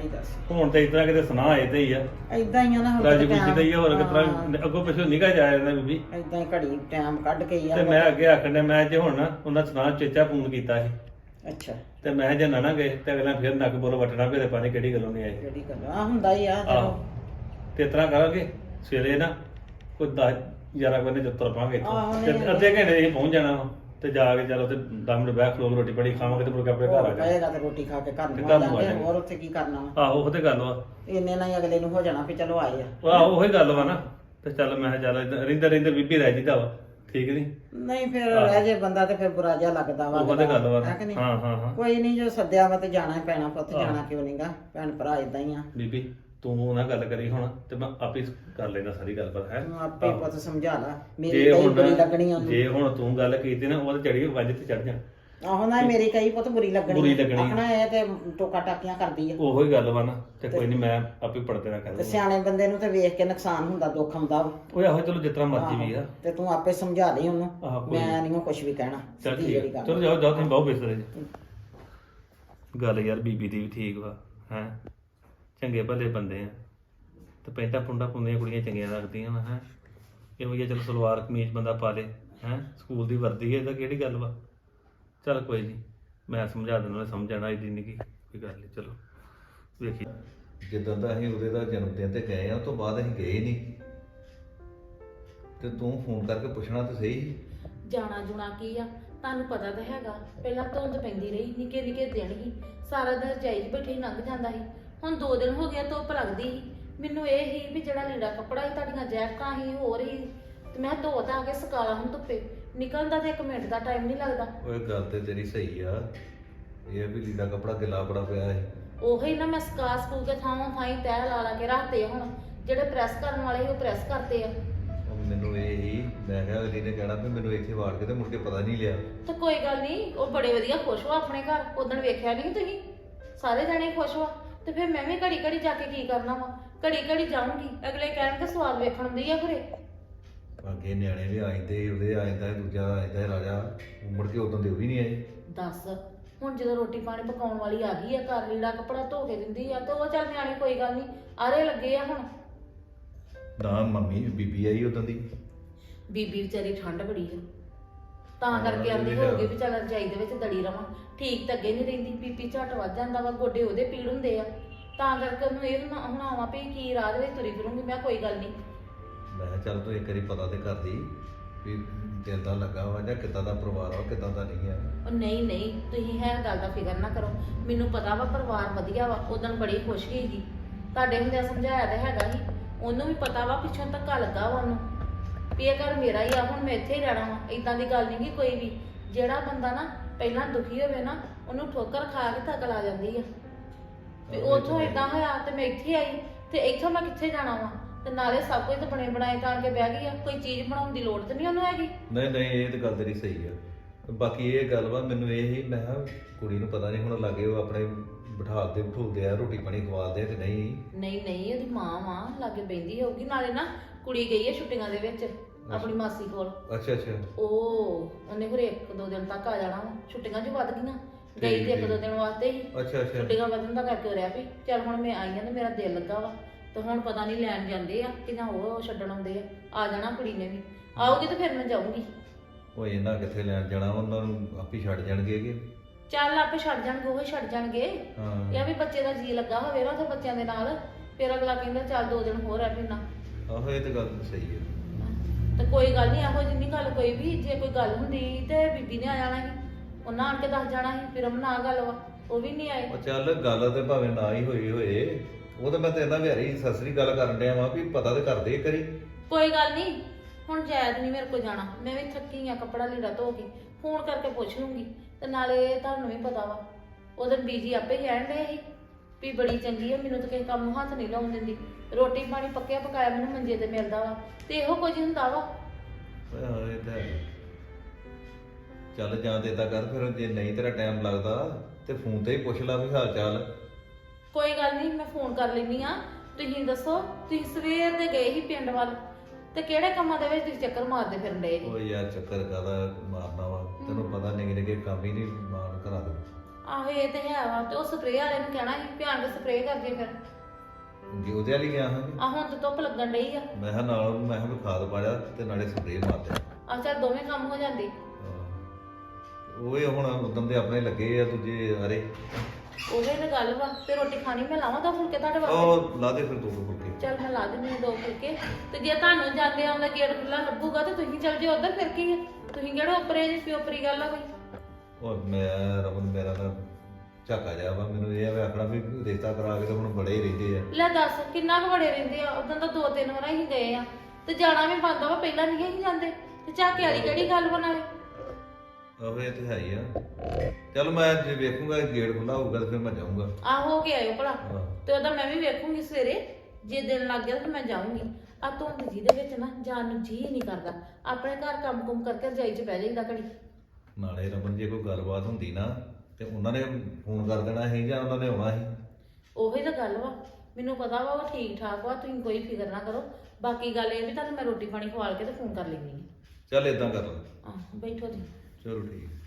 Speaker 1: ਦੱਸ
Speaker 2: ਹੁਣ ਤੇ ਇਸ ਤਰ੍ਹਾਂ ਕਿਤੇ ਸੁਣਾ ਆਏ ਤੇ ਹੀ ਆ
Speaker 1: ਏਦਾਂ ਹੀ ਆ ਨਾ
Speaker 2: ਰਾਜੀ ਬੁੱਝੀ ਤੇ ਹੀ ਆ, ਹੋਰ ਕਿਸ ਤਰ੍ਹਾਂ ਅੱਗੋਂ ਪਿੱਛੋਂ ਨਿਕਾ ਜਾ ਜਾਂਦਾ ਬੀਬੀ।
Speaker 1: ਏਦਾਂ ਹੀ ਘੜੀ ਟਾਈਮ ਕੱਢ ਕੇ ਹੀ ਆ
Speaker 2: ਤੇ ਮੈਂ ਅੱਗੇ ਆਖਣ ਡਿਆ, ਮੈਂ ਜੇ ਹੁਣ ਨਾ ਉਹਨਾਂ ਸੁਣਾ ਚੇਚਾ ਫੋਨ ਕੀਤਾ ਸੀ
Speaker 1: ਅੱਛਾ
Speaker 2: ਤੇ ਮੈਂ ਜੇ ਨਾ ਗਏ ਤੇ ਅਗਲਾ ਫਿਰ ਨੱਕ ਬੋਲ ਵਟਣਾ ਵੀ ਪਾਣੀ ਕਿਹੜੀ ਗੱਲੋਂ ਨਹੀਂ ਆਏ।
Speaker 1: ਜਿਹੜੀ ਗੱਲ ਆ ਹੁੰਦਾ ਹੀ ਆ
Speaker 2: ਆਹੋ
Speaker 1: ਚਲੋ
Speaker 2: ਤੇ ਇਸ ਤਰ੍ਹਾਂ ਕਰਾਂਗੇ ਸਵੇਰੇ ਨਾ ਕੋਈ 10-11 ਵਜੇ ਜਦ ਤੁਰ ਪਾਂਗੇ
Speaker 1: ਆਹੋ,
Speaker 2: ਇੱਥੋਂ ਤੇ ਅੱਧੇ ਘੰਟੇ ਅਸੀਂ ਪਹੁੰਚ ਜਾਣਾ ਵਾ ਤੇ ਜਾ ਕੇ ਚਲੋ ਤੇ 10 ਮਿੰਟ ਬੈਠ ਖਲੋ ਕੇ ਰੋਟੀ ਪਾਣੀ ਖਾਵਾਂਗੇ ਤੇ ਮੁੜ ਕੇ ਆਪਣੇ ਘਰ ਆ ਜਾਵਾਂਗੇ।
Speaker 1: ਪਏਗਾ ਤੇ ਰੋਟੀ ਖਾ ਕੇ ਘਰ
Speaker 2: ਤੇ
Speaker 1: ਨੂੰ
Speaker 2: ਘਰ
Speaker 1: ਆ
Speaker 2: ਨੂੰ ਆ
Speaker 1: ਜਾਵਾਂਗੇ
Speaker 2: ਜਾਵਾਂਗੇ।
Speaker 1: ਹੋਰ ਉੱਥੇ ਕੀ ਕਰਨਾ ਵਾ
Speaker 2: ਆਹੋ ਉਹ ਤੇ ਗੱਲ ਵਾ,
Speaker 1: ਇੰਨੇ ਨਾਲ ਹੀ ਅਗਲੇ ਨੂੰ ਹੋ ਜਾਣਾ ਵੀ ਚਲੋ ਆਏ ਆ
Speaker 2: ਆਹੋ ਉਹੀ ਗੱਲ ਵਾ ਨਾ। ਤੇ ਚੱਲ ਮੈਂ ਕਿਹਾ ਚੱਲ ਰਹਿੰਦੇ ਰਹਿੰਦੇ ਬੀਬੀ ਰਹਿ ਜੀਦਾ ਵਾ, ਠੀਕ ਨਹੀਂ?
Speaker 1: ਨਹੀਂ ਫਿਰ ਰਹਿ ਜੇ ਬੰਦਾ ਤੇ ਫਿਰ ਬੁਰਾ ਜਿਹਾ ਲੱਗਦਾ ਵਾ
Speaker 2: ਉਹ ਤੇ ਗੱਲ ਵਾ
Speaker 1: ਹੈ ਕਿ ਨਹੀਂ?
Speaker 2: ਹਾਂ ਹਾਂ ਹਾਂ।
Speaker 1: ਕੋਈ ਨਹੀਂ ਜੋ ਸੱਦਿਆ ਵਾ ਤੇ ਜਾਣਾ ਹੀ ਪੈਣਾ ਪੁੱਤ, ਜਾਣਾ ਕਿਉਂ ਨਹੀਂਗਾ, ਭੈਣ ਭਰਾ ਇਦਾਂ ਹੀ ਆ।
Speaker 2: ਬੀਬੀ ਤੂੰ ਨਾ ਗੱਲ ਕਰੀ ਹੁਣ ਤੇ ਮੈਂ ਆਪੇ ਕਰ ਲੈਣਾ ਸਾਰੀ ਗੱਲ ਪਰ ਹੈ।
Speaker 1: ਤੂੰ ਆਪੇ ਹੀ ਪੁੱਤ ਸਮਝਾ ਲਾ, ਮੇਰੀ
Speaker 2: ਜੇ
Speaker 1: ਕਈ
Speaker 2: ਹੁਣ
Speaker 1: ਬੁਰੀ ਲੱਗਣੀ ਉਹਨੂੰ।
Speaker 2: ਜੇ ਹੁਣ ਤੂੰ ਗੱਲ ਕੀਤੀ ਨਾ ਉਹ ਤੇ ਚੜੀ ਵੱਜ ਤੇ ਚੜ ਜਾ।
Speaker 1: ਆਹੋ ਨਾ ਮੇਰੀ ਕਈ ਪੁੱਤ ਬੁਰੀ
Speaker 2: ਬੁਰੀ
Speaker 1: ਲੱਗਣੀ
Speaker 2: ਲੱਗਣੀ।
Speaker 1: ਆਪਣਾ ਇਹ ਤੇ ਟੋਕਾ ਟਾਕੀਆਂ ਕਰਦੀ ਆ
Speaker 2: ਉਹੋ ਹੀ ਗੱਲ ਵਾ ਨਾ। ਤੇ ਕੋਈ ਨਹੀਂ ਮੈਂ ਆਪੇ ਪੜਦੇ ਨਾ ਕਰ
Speaker 1: ਤੇ
Speaker 2: ਲੂੰਗਾ।
Speaker 1: ਸਿਆਣੇ ਬੰਦੇ ਨੂੰ ਤੇ ਵੇਖ ਕੇ ਨੁਕਸਾਨ ਹੁੰਦਾ, ਦੁੱਖ ਆਉਂਦਾ ਵਾ।
Speaker 2: ਓਏ ਆਹੋ ਚਲੋ ਜਿਤਨਾ ਮਰਜ਼ੀ ਵੀ ਆ।
Speaker 1: ਤੇ ਤੂੰ ਆਪੇ ਸਮਝਾ ਲਈ ਉਹਨੂੰ,
Speaker 2: ਆਹੋ, ਕੋਈ
Speaker 1: ਮੈਂ ਨਹੀਂ ਕੁਝ ਵੀ ਕਹਿਣਾ।
Speaker 2: ਚੱਲ
Speaker 1: ਸਿੱਧੀ
Speaker 2: ਠੀਕ
Speaker 1: ਜਿਹੜੀ
Speaker 2: ਆ।
Speaker 1: ਗੱਲ
Speaker 2: ਚਲੋ ਜਾਓ ਜਾਓ ਤੁਸੀਂ ਬਹੁ ਬਿਸਤਰੇ ਜੀ। ਗੱਲ ਯਾਰ ਬੀਬੀ ਦੀ ਵੀ ਠੀਕ ਵਾ ਹੈ, ਚੰਗੇ ਭਲੇ ਬੰਦੇ ਆ ਤੇ ਪੈਂਟਾਂ ਪੁੰਡਾ ਪੁੰਦੀਆਂ ਕੁੜੀਆਂ ਚੰਗੀਆਂ ਲੱਗਦੀਆਂ ਵਾ ਹੈ। ਇਹੋ ਜਿਹਾ ਚਲੋ ਸਲਵਾਰ ਕਮੀਜ਼ ਬੰਦਾ ਪਾ ਲੇ ਹੈ, ਸਕੂਲ ਦੀ ਵਰਦੀ ਹੈ ਤਾਂ ਕਿਹੜੀ ਗੱਲ ਵਾ। ਚੱਲ ਕੋਈ ਨਹੀਂ ਮੈਂ ਸਮਝਾ ਦਿੰਦਾ, ਉਹਨੇ ਸਮਝ ਜਾਣਾ ਇਹਦੀ ਨਹੀਂ ਕੋਈ ਗੱਲ ਨਹੀਂ। ਚਲੋ ਵੇਖੀ
Speaker 5: ਜਿੱਦਾਂ ਦਾ ਅਸੀਂ ਉਹਦੇ ਦਾ ਜਨਮ ਦਿਨ ਤੇ ਗਏ ਆ ਉਸ ਤੋਂ ਬਾਅਦ ਅਸੀਂ ਗਏ ਨਹੀਂ ਤੇ ਤੂੰ ਫੋਨ ਕਰਕੇ ਪੁੱਛਣਾ ਤਾਂ ਸਹੀ।
Speaker 3: ਜਾਣਾ ਜੁਣਾ ਕੀ ਆ, ਤੁਹਾਨੂੰ ਪਤਾ ਤਾਂ ਹੈਗਾ ਪਹਿਲਾਂ ਧੁੰਦ ਪੈਂਦੀ ਰਹੀ, ਨਿੱਕੇ ਨਿੱਕੇ ਦਿਨ ਹੀ ਸਾਰਾ ਦਿਨ ਰਜਾਈ 'ਚ ਬੈਠੇ ਲੰਘ ਜਾਂਦਾ ਸੀ। ਹੁਣ 2 ਦਿਨ ਹੋ ਗਿਆ ਧੁੱਪ ਲੱਗਦੀ ਸੀ। ਮੈਨੂੰ ਇਹ ਹੀ ਵੀ ਜਿਹੜਾ ਲੀੜਾ ਕੱਪੜਾ ਸੀ, ਤੁਹਾਡੀਆਂ ਜੈਕਟਾਂ ਸੀ ਹੋਰ ਹੀ, ਤੇ ਮੈਂ ਧੋ ਤਾਂ ਕੇ ਸੁਕਾਲਾ ਹੁਣ ਧੁੱਪੇ ਨਿਕਲਣ ਦਾ ਤੇ 1 ਮਿੰਟ ਦਾ ਟਾਈਮ ਨਹੀਂ ਲੱਗਦਾ।
Speaker 5: ਓਏ ਗੱਲ ਤੇ ਤੇਰੀ ਸਹੀ ਆ, ਇਹ ਵੀ ਲੀੜਾ ਕੱਪੜਾ ਗਿੱਲਾ ਬੜਾ ਪਿਆ ਹੈ।
Speaker 3: ਉਹੀ ਨਾ ਮੈਂ ਸਕਾ ਸਕੂ ਕੇ ਥਾਂ ਥਾਈ ਤਹਿ ਲਾ ਕੇ ਰੱਖਦੇ ਆ। ਹੁਣ ਜਿਹੜੇ ਪ੍ਰੈਸ ਕਰਨ ਵਾਲੇ ਸੀ ਉਹ ਪ੍ਰੈਸ ਕਰਦੇ ਆ।
Speaker 5: ਉਹ ਮੈਨੂੰ ਇਹ ਹੀ ਮੈਂ ਕਿਹਾ ਅਗਲੀ ਨੇ ਕਹਿਣਾ ਵੀ ਮੈਨੂੰ ਇੱਥੇ ਵਾੜ ਕੇ ਤੇ ਮੁੜ ਕੇ ਪਤਾ ਨਹੀਂ ਲਿਆ।
Speaker 3: ਤੇ ਕੋਈ ਗੱਲ ਨਹੀਂ, ਉਹ ਬੜੇ ਵਧੀਆ ਖੁਸ਼ ਹੋ ਆਪਣੇ ਘਰ। ਉਦੋਂ ਵੇਖਿਆ ਨਹੀਂ ਤੁਸੀਂ, ਸਾਰੇ ਜਣੇ ਖੁਸ਼ ਹੋ। ਤੇ ਫਿਰ ਮੈਂ ਵੀ ਘੜੀ ਘੜੀ ਜਾ ਕੇ ਕੀ ਕਰਨਾ ਵਾ, ਘੜੀ ਘੜੀ ਜਾਊਂਗੀ। ਅਗਲੇ ਕਹਿਣਗੇ ਸਵਾਦ ਵੇਖਣ ਦੀ ਆ ਘਰੇ।
Speaker 5: ਅੱਗੇ ਨਿਆਣੇ ਵੀ ਆ ਜਾਂਦੇ, ਉਹਦੇ ਆ ਜਾਂਦਾ ਦੂਜਾ ਆ ਜਾਂਦਾ ਰਾਜਾ, ਉਹ ਮੁੜ ਕੇ ਉਦੋਂ ਦੇ ਉਹ ਵੀ ਨਹੀਂ ਆਏ।
Speaker 3: ਦੱਸ ਹੁਣ ਜਦੋਂ ਰੋਟੀ ਪਾਣੀ ਪਕਾਉਣ ਵਾਲੀ ਆ ਗਈ ਆ, ਘਰ ਲੀੜਾ ਕੱਪੜਾ ਧੋ ਕੇ ਦਿੰਦੀ ਆ, ਤੇ ਉਹ ਚੱਲ ਨਿਆਣੇ ਕੋਈ ਗੱਲ ਨਹੀਂ ਆਰੇ ਲੱਗੇ ਆ। ਹੁਣ
Speaker 5: ਨਾ ਮੰਮੀ ਬੀਬੀ ਆਈ ਉਦੋਂ ਦੀ।
Speaker 3: ਬੀਬੀ ਵਿਚਾਰੀ ਠੰਡ ਬੜੀ ਆ, ਤਾਂ ਕਰਕੇ ਆਂਦੀ ਹੋਊਗੀ ਵੀ ਚੱਲ ਰਜਾਈ ਦੇ ਵਿੱਚ ਦੜੀ ਰਵਾਂ। ਠੀਕ ਤਾਂ ਅੱਗੇ ਨਹੀਂ ਰਹਿੰਦੀ, ਬੀਬੀ ਝੱਟ ਵੱਧ ਜਾਂਦਾ ਵਾ, ਗੋਡੇ ਉਹਦੇ ਪੀੜ ਹੁੰਦੇ ਆ, ਤਾਂ ਕਰਕੇ ਉਹਨੂੰ ਇਹ ਹੁਣ ਆਵਾਂ ਵੀ ਕੀ ਰਾਹ ਦੇ ਵਿੱਚ ਤੁਰੀ ਫਿਰੂੰਗੀ। ਮੈਂ ਕੋਈ ਗੱਲ ਨਹੀਂ,
Speaker 5: ਮੈਂ ਕਿਹਾ ਚੱਲ ਤੂੰ ਇੱਕ ਵਾਰੀ ਪਤਾ ਤੇ ਕਰਦੀ ਵੀ ਦਿਲ ਦਾ ਲੱਗਾ ਵਾ ਜਾਂ ਕਿੱਦਾਂ ਦਾ ਪਰਿਵਾਰ ਆ ਕਿੱਦਾਂ ਦਾ ਨਹੀਂ ਆ।
Speaker 3: ਉਹ ਨਹੀਂ ਨਹੀਂ ਤੁਸੀਂ ਹੈ ਗੱਲ ਦਾ ਫਿਕਰ ਨਾ ਕਰੋ, ਮੈਨੂੰ ਪਤਾ ਵਾ ਪਰਿਵਾਰ ਵਧੀਆ ਵਾ। ਉਦੋਂ ਬੜੀ ਖੁਸ਼ ਗਈ ਸੀ, ਤੁਹਾਡੇ ਹੁੰਦਿਆਂ ਸਮਝਾਇਆ ਤਾਂ ਹੈਗਾ ਸੀ। ਉਹਨੂੰ ਵੀ ਪਤਾ ਵਾ ਪਿੱਛੋਂ ਧੱਕਾ ਲੱਗਾ ਵਾ ਉਹਨੂੰ ਵੀ ਇਹ ਘਰ ਮੇਰਾ ਹੀ ਆ, ਹੁਣ ਮੈਂ ਇੱਥੇ ਹੀ ਰਹਿਣਾ ਵਾ। ਇਦਾਂ ਦੀ ਗੱਲ ਨਹੀਂ ਗੀ ਕੋਈ ਵੀ। ਜਿਹੜਾ ਬੰਦਾ ਨਾ ਪਹਿਲਾਂ ਦੁਖੀ ਹੋਵੇ ਨਾ, ਉਹਨੂੰ ਠੋਕਰ ਖਾ ਕੇ ਤੱਕ ਲਾ ਜਾਂਦੀ ਆ ਵੀ ਉੱਥੋਂ ਇਦਾਂ ਹੋਇਆ ਤੇ ਮੈਂ ਇੱਥੇ ਆਈ, ਤੇ ਇੱਥੋਂ ਮੈਂ ਕਿੱਥੇ ਜਾਣਾ ਵਾ। ਤੇ ਨਾਲੇ ਸਭ ਕੁਝ ਤਾਂ ਬਣੇ ਬਣਾਏ ਤਾਂ ਕੇ ਬਹਿ ਗਈ ਆ, ਕੋਈ ਚੀਜ਼ ਬਣਾਉਣ ਦੀ ਲੋੜ ਤੇ ਨਹੀਂ ਉਹਨੂੰ ਹੈਗੀ।
Speaker 5: ਨਹੀਂ ਨਹੀਂ ਇਹ ਤਾਂ ਗੱਲ ਤੇਰੀ ਸਹੀ ਆ। ਬਾਕੀ ਇਹ ਗੱਲ ਵਾ ਮੈਨੂੰ ਇਹ ਹੀ ਮੈਂ ਕਿਹਾ ਕੁੜੀ ਨੂੰ ਪਤਾ ਨਹੀਂ ਹੁਣ ਲੱਗੇ ਉਹ ਆਪਣੇ ਬਿਠਾਲਦੇ ਬਿਠਾਉਂਦੇ ਆ, ਰੋਟੀ ਪਾਣੀ ਖਵਾਲਦੇ ਕਿ ਨਹੀਂ।
Speaker 3: ਨਹੀਂ ਨਹੀਂ ਉਹਦੀ ਮਾਂ ਵਾ ਲਾਗੇ ਬੈਂਦੀ ਹੋਊਗੀ। ਨਾਲੇ ਨਾ ਕੁੜੀ ਗਈ ਹੈ ਛੁੱਟੀਆਂ ਦੇ ਵਿੱਚ ਆਪਣੀ ਮਾਸੀ ਕੋਲ।
Speaker 5: ਅੱਛਾ ਅੱਛਾ।
Speaker 3: ਉਹਨੇ ਫਿਰ 1-2 ਦਿਨ ਤੱਕ ਆ ਜਾਣਾ ਵਾ, ਛੁੱਟੀਆਂ ਜੋ ਵੱਧ ਗਈਆਂ। ਗਈ ਤੇ 1-2 ਦਿਨ ਵਾਸਤੇ ਹੀ,
Speaker 5: ਅੱਛਾ ਅੱਛਾ।
Speaker 3: ਛੁੱਟੀਆਂ ਵਧਣ ਦਾ ਕਰਕੇ ਰਿਹਾ ਵੀ ਚੱਲ ਹੁਣ ਮੈਂ ਆਈ ਆ ਤੇ ਮੇਰਾ ਦਿਲ ਲੱਗਾ ਵਾ। ਤੇ ਹੁਣ ਪਤਾ ਨਹੀਂ ਲੈਣ ਜਾਂਦੇ ਆ ਕਿ ਜਾਂ ਉਹ ਛੱਡਣ ਆਉਂਦੇ ਆ ਜਾਣਾ ਕੁੜੀ ਨੇ ਵੀ। ਆਊਗੀ ਤੇ ਫਿਰ ਮੈਂ ਜਾਊਂਗੀ।
Speaker 5: ਉਹ ਇਹਨਾਂ ਕਿੱਥੇ ਲੈਣ ਜਾਣਾ, ਉਹਨਾਂ ਨੂੰ ਆਪੇ ਛੱਡ ਜਾਣਗੇ ਕਿ
Speaker 3: ਚੱਲ ਆਪੇ ਛੱਡ ਜਾਣਗੇ, ਉਹ ਹੀ ਛੱਡ ਜਾਣਗੇ।
Speaker 5: ਹਾਂ।
Speaker 3: ਇਹ ਵੀ ਬੱਚੇ ਦਾ ਜੀ ਲੱਗਾ ਹੋਵੇ ਨਾ ਤੇ ਬੱਚਿਆਂ ਦੇ ਨਾਲ, ਫਿਰ ਅਗਲਾ ਕਹਿੰਦਾ ਚੱਲ 2 ਦਿਨ ਹੋਰ ਰਹਿ ਪੈਣਾ।
Speaker 5: ਆਹੋ ਇਹ ਤਾਂ ਗੱਲ ਸਹੀ ਹੈ।
Speaker 3: ਤੇ ਕੋਈ ਗੱਲ ਨਹੀਂ, ਇਹੋ ਜਿਹੀ ਨਹੀਂ ਗੱਲ ਕੋਈ ਵੀ। ਜੇ ਕੋਈ ਗੱਲ ਹੁੰਦੀ ਤੇ ਬੀਬੀ ਨੇ ਆ ਜਾਣਾ ਸੀ, ਉਹਨਾਂ ਆਣ ਕੇ ਦੱਸ ਜਾਣਾ ਸੀ। ਫਿਰ ਨਾ ਗੱਲ ਵਾ, ਉਹ ਵੀ ਨਹੀਂ ਆਏ।
Speaker 5: ਉਹ ਚੱਲ ਗੱਲ ਤੇ ਭਾਵੇਂ ਨਾ ਹੀ ਹੋਏ ਉਹ ਤਾਂ ਮੈਂ ਤੇਰੇ ਨਾਲ ਵਿਹਾਰੀ ਸਸਰੀ ਗੱਲ ਕਰਨ ਡਿਆ ਵਾਂ ਵੀ ਪਤਾ ਤੇ ਕਰਦੇ ਕਰੀ।
Speaker 3: ਕੋਈ ਗੱਲ ਨਹੀਂ, ਹੁਣ ਜਾਇਦ ਨਹੀਂ ਮੇਰੇ ਕੋਲ ਜਾਣਾ। ਮੈਂ ਵੀ ਥੱਕੀ ਆ, ਕੱਪੜਾ ਲੀੜਾ ਧੋ ਕੇ ਫੋਨ ਕਰਕੇ ਪੁੱਛ ਲੂੰਗੀ। ਤੇ ਨਾਲੇ ਤੁਹਾਨੂੰ ਵੀ ਪਤਾ ਵਾ ਉਹਦੇ ਬੀਜੀ ਆਪੇ ਕਹਿਣ ਡਏ ਸੀ ਵੀ ਬੜੀ ਚੰਗੀ ਆ, ਮੈਨੂੰ ਤਾਂ ਕਿਸੇ ਕੰਮ ਨੂੰ ਹੱਥ ਨਹੀਂ ਲਾਉਣ ਦਿੰਦੀ। ਰੋਟੀ ਪਾਣੀ ਪੱਕਿਆ ਪਕਾਇਆ ਮੈਨੂੰ ਮੰਜੇ ਤੇ ਮਿਲਦਾ ਵਾ, ਤੇ ਇਹੋ ਕੁਝ ਹੁੰਦਾ ਵਾ।
Speaker 5: ਓਏ ਹਾਂ ਇਹ ਤਾਂ ਹੈ। ਚੱਲ ਜਾਂ ਤੇ ਏਦਾਂ ਕਰ ਫਿਰ, ਜੇ ਨਹੀਂ ਤੇਰਾ ਟਾਈਮ ਲੱਗਦਾ ਤੇ ਫੋਨ ਤੇ ਹੀ ਪੁੱਛ ਲਾ ਵੀ ਹਾਲ ਚਾਲ।
Speaker 3: ਕੋਈ ਗੱਲ ਨਹੀਂ, ਮੈਂ ਫੋਨ ਕਰ ਲੈਣੀ ਆ। ਤੁਸੀਂ ਦੱਸੋ, ਤੁਸੀਂ ਸਵੇਰ ਦੇ ਗਏ ਸੀ ਪਿੰਡ ਵੱਲ, ਤੇ ਕਿਹੜੇ ਕੰਮਾਂ ਦੇ ਵਿੱਚ ਤੁਸੀਂ ਚੱਕਰ ਮਾਰਦੇ ਫਿਰਨ ਡਏ ਸੀ?
Speaker 5: ਓ ਯਾਰ ਚੱਕਰ ਕਾਹਦਾ ਮਾਰਨਾ ਵਾ, ਤੈਨੂੰ ਪਤਾ ਨਿੱਕੇ ਨਿੱਕੇ ਕੰਮ ਹੀ ਨਹੀਂ ਮਾਰਨ ਕਰਾ ਦੇ।
Speaker 6: ਆਹੋ ਇਹ ਤੇ ਹੈ ਵਾ ਤੇ ਉਹ ਸਪਰੇਅ ਵਾਲੇ ਨੂੰ ਕਹਿਣਾ ਸੀ ਧਿਆਨ ਨਾਲ ਸਪਰੇਅ ਕਰਦੇ ਫਿਰ
Speaker 5: ਜੇ ਉਹਦੇ ਵਾਲੀ ਗਿਆ ਹਾਂ
Speaker 6: ਆ ਹੁਣ ਤੇ ਧੁੱਪ ਲੱਗਣ ਡਈ ਆ
Speaker 5: ਮੈਂ ਕਿਹਾ ਨਾਲ ਮੈਂ ਕਿਹਾ ਵੀ ਖਾਦ ਪਾ ਜਾ ਤੇ ਨਾਲੇ ਸਪਰੇਅ ਮਾਰ ਦੇ
Speaker 6: ਆ ਚੱਲ ਦੋਵੇਂ ਕੰਮ ਹੋ ਜਾਂਦੇ
Speaker 5: ਉਹ ਇਹ ਹੁਣ ਉਦੋਂ ਦੇ ਆਪਣੇ ਲੱਗੇ ਆ ਦੂਜੇ ਹਰੇ
Speaker 6: ਉਹਦੇ ਤੇ ਗੱਲ ਵਾ ਤੇ ਰੋਟੀ ਖਾਣੀ ਮੈਂ ਲਾਵਾਂ ਦੋ ਫੁਲਕੇ ਤੁਹਾਡੇ ਵਾਸਤੇ
Speaker 5: ਉਹ ਲਾ ਦੇ ਫਿਰ ਦੋ ਦੋ ਫੁਲਕੇ
Speaker 6: ਚੱਲ ਮੈਂ ਲਾ ਦਿੰਦੀ ਹਾਂ 2 ਫੁਲਕੇ ਤੇ ਜੇ ਤੁਹਾਨੂੰ ਜਾਂਦੇ ਆਉਂਦਾ ਗੇਟ ਖੁੱਲਾ ਲੱਭੂਗਾ ਤੇ ਤੁਸੀਂ ਚੱਲ ਜਿਓ ਉਧਰ ਫਿਰ ਕੀ ਹੈ ਤੁਸੀਂ ਕਿਹੜਾ ਉੱਪਰੇ ਜੀ ਪਿਓਪਰੀ ਗੱਲ ਆ ਕੋਈ
Speaker 5: ਉਹ ਮੈਂ ਰਮਨ ਮੇਰਾ ਤਾਂ ਝਾਕਾ ਜਾ ਵਾ ਮੈਨੂੰ ਇਹ ਆ ਆਖਣਾ ਵੀ ਰਿਸ਼ਤਾ ਕਰਾ ਕੇ ਤਾਂ ਹੁਣ ਬੜੇ ਹੀ ਰਹਿੰਦੇ ਆ
Speaker 6: ਲੈ ਦੱਸ ਕਿੰਨਾ ਕੁ ਬੜੇ ਰਹਿੰਦੇ ਆ ਉਦੋਂ ਤਾਂ 2-3 ਵਾਰਾਂ ਹੀ ਗਏ ਆ ਤੇ ਜਾਣਾ ਵੀ ਬੰਦਾ ਵਾ ਪਹਿਲਾਂ ਨਹੀਂ ਅਸੀਂ ਜਾਂਦੇ ਤੇ ਝਾਕੇ ਵਾਲੀ ਕਿਹੜੀ ਗੱਲ ਬਣਾਵੇ
Speaker 5: ਉਹ ਇਹ ਤੇ ਹੈ ਹੀ ਆ ਚਲ ਮੈਂ ਜੇ ਵੇਖੂੰਗਾ ਗੇਟ ਖੁੱਲਾ ਹੋਊਗਾ ਤਾਂ ਫਿਰ ਮੈਂ ਜਾਊਂਗਾ
Speaker 6: ਆ ਹੋ ਕੇ ਆਇਓ ਭਲਾ
Speaker 5: ਹਾਂ।
Speaker 6: ਤੇ ਉਹਦਾ ਮੈਂ ਵੀ ਵੇਖੂੰਗੀ ਸਵੇਰੇ ਜੇ ਦਿਨ ਲੱਗ ਗਿਆ ਤਾਂ ਮੈਂ ਜਾਊਂਗੀ ਆ ਧੁੰਦ ਜੀ ਦੇ ਵਿੱਚ ਨਾ ਜਾਣ ਨੂੰ ਜੀ ਨਹੀਂ ਕਰਦਾ ਆਪਣੇ ਘਰ ਕੰਮ-ਕੁਮ ਕਰਕੇ ਰਜਾਈ 'ਚ ਬਹਿ ਜਾਈਦਾ ਘੜੀ
Speaker 5: ਨਾਲੇ ਰਮਨ ਜੇ ਕੋਈ ਗੱਲਬਾਤ ਹੁੰਦੀ ਨਾ ਤੇ ਉਹਨਾਂ ਨੇ ਫੋਨ ਕਰ ਦੇਣਾ ਸੀ ਜਾਂ ਉਹਨਾਂ ਨੇ ਆਉਣਾ ਸੀ
Speaker 6: ਉਹੀ ਤਾਂ ਗੱਲ ਵਾ ਮੈਨੂੰ ਪਤਾ ਵਾ ਉਹ ਠੀਕ ਠਾਕ ਵਾ ਤੁਸੀਂ ਕੋਈ ਫਿਕਰ ਨਾ ਕਰੋ ਬਾਕੀ ਗੱਲ ਇਹ ਵੀ ਤੁਹਾਨੂੰ ਮੈਂ ਰੋਟੀ ਪਾਣੀ ਖਵਾਲ ਕੇ ਤੇ ਫੋਨ ਕਰ ਲੈਂਦੀ
Speaker 5: ਚੱਲ ਇਦਾਂ ਕਰ ਲਾ
Speaker 6: ਆ ਬੈਠੋ ਜੀ
Speaker 5: ਚਲੋ ਠੀਕ